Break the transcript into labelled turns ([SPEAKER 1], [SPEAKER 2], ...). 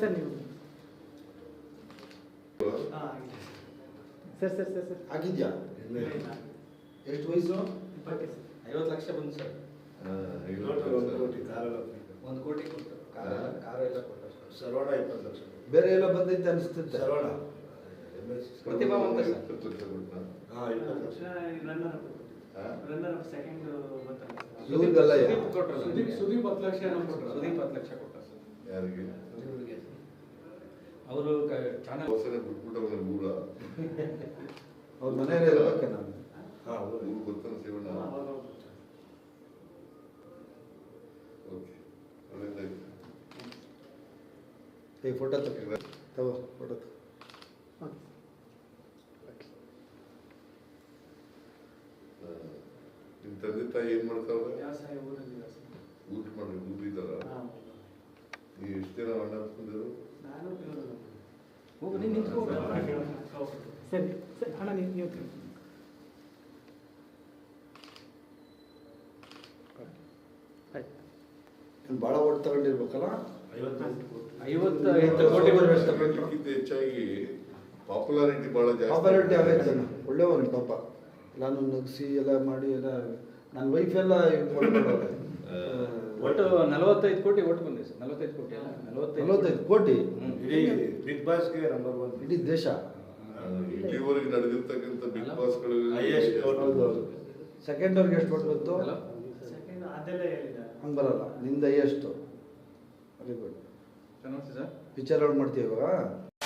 [SPEAKER 1] Sir ನೀವು sir sir sir sir
[SPEAKER 2] ಆಗಿದ್ಯಾ? ಎಷ್ಟು ವಯಸ್ಸು?
[SPEAKER 3] 50 ಲಕ್ಷ ಬಂತು ಸರ್.
[SPEAKER 2] 1 ಕೋಟಿ
[SPEAKER 3] ಕೊಟ್ಟು ಕಾರು ಎಲ್ಲ ಕೊಟ್ಟು
[SPEAKER 2] ಸರ್ವಣ 20 ಲಕ್ಷ. ಬೇರೆ ಎಲ್ಲ ಬಂದೈತೆ ಅನಿಸ್ತೈತೆ. ಸರ್ವಣ
[SPEAKER 3] ಪ್ರತಿಭಾವಂತ ಸರ್.
[SPEAKER 2] 20 ಲಕ್ಷ.
[SPEAKER 1] ರನ್ನರ್ ಸೆಕೆಂಡ್
[SPEAKER 2] ಇವ್ರಿಗೆಲ್ಲ
[SPEAKER 3] ಸುದೀಪ್ 10 ಲಕ್ಷ ಸುದೀಪ್ 10 ಲಕ್ಷ ಕೊಟ್ಟ ಸರ್.
[SPEAKER 2] ಯಾರಿಗೆ?
[SPEAKER 3] ಅವರು ಚಾನಲ್
[SPEAKER 2] ಅವ್ರ ಮನೆಯಲ್ಲೇ ಇರ್ಬೇಕೆ ನಾನು.
[SPEAKER 4] ಗೊತ್ತಾನ ಸೇವಣ್ಣ. ಓಕೆ, ಒಳ್ಳೆದಾಯ್ತು.
[SPEAKER 2] ಈ ಫೋಟೋ ತಗೋ ಫೋಟೋ ತಗೋ.
[SPEAKER 4] ನಿಮ್ಮ ತಂದೆ ತಾಯಿ ಏನ್ ಮಾಡ್ತಾವ್ರೆ?
[SPEAKER 1] ವ್ಯವಸಾಯ ಊರಲ್ಲಿ
[SPEAKER 4] ಊಟ ಮಾಡಿ ಊರಿದಾರ? ನೀವು ಎಷ್ಟು ಜನ ಅಣ್ಣ ಹತ್ಕೊಂಡಿದ್ರು?
[SPEAKER 1] ನಾನು
[SPEAKER 3] ಹೋಗು ನೀನು ನಿಂತ್ಕೋ.
[SPEAKER 1] ಸರಿ ಸರಿ ಅಣ್ಣ ನೀವು
[SPEAKER 2] ನೀನು ಭಾಳ ಓಟ್ ತಗೊಂಡಿರ್ಬೇಕಲ್ಲ?
[SPEAKER 3] 58 ಕೋಟಿ
[SPEAKER 4] ಅದಕ್ಕಿಂತ ಹೆಚ್ಚಾಗಿ ಪಾಪ್ಯುಲಾರಿಟಿ ಬಹಳ ಜಾಸ್ತಿ.
[SPEAKER 2] ಪಾಪ್ಯುಲಾರಿಟಿ ಆಗೈತೆ. ಒಳ್ಳೆಯವನು ಪಾಪ. ನಾನು ನಗಿಸಿ ಎಲ್ಲ ಮಾಡಿ ಎಲ್ಲ ನನ್ನ ವೈಫ್ ಎಲ್ಲ
[SPEAKER 3] ಒಟ್ಟು 45 ಕೋಟಿ ಓಟ್ ಬಂದಿದೆ ಸರ್. 45 ಕೋಟಿ ಅಲ್ಲ
[SPEAKER 2] 45 ಕೋಟಿ.
[SPEAKER 5] ಇಡೀ ಬಿಗ್ ಬಾಸ್ಗೆ ನಂಬರ್ 1
[SPEAKER 2] ಇಡೀ ದೇಶ.
[SPEAKER 4] ಇಲ್ಲಿವರೆಗೆ ನಡೆದಿರ್ತಕ್ಕಂಥ ಬಿಗ್ ಬಾಸ್ಗಳು
[SPEAKER 2] ಹೌದು. ಸೆಕೆಂಡ್ ಅವ್ರಿಗೆ ಎಷ್ಟು ಓಟ್ ಬಂತು?
[SPEAKER 1] ಸೆಕೆಂಡ್ ಅದೆಲ್ಲ ಹೇಳಿದ
[SPEAKER 2] ಹಂಗೆ ಬರಲ್ಲ. ನಿಂದ ಎಷ್ಟು? Very good.
[SPEAKER 3] ಚೆನ್ನಾಗಿ ಸರ್.
[SPEAKER 2] ಪಿಕ್ಚರ್ ಔಟ್ ಮಾಡ್ತೀವಿ ಇವಾಗ.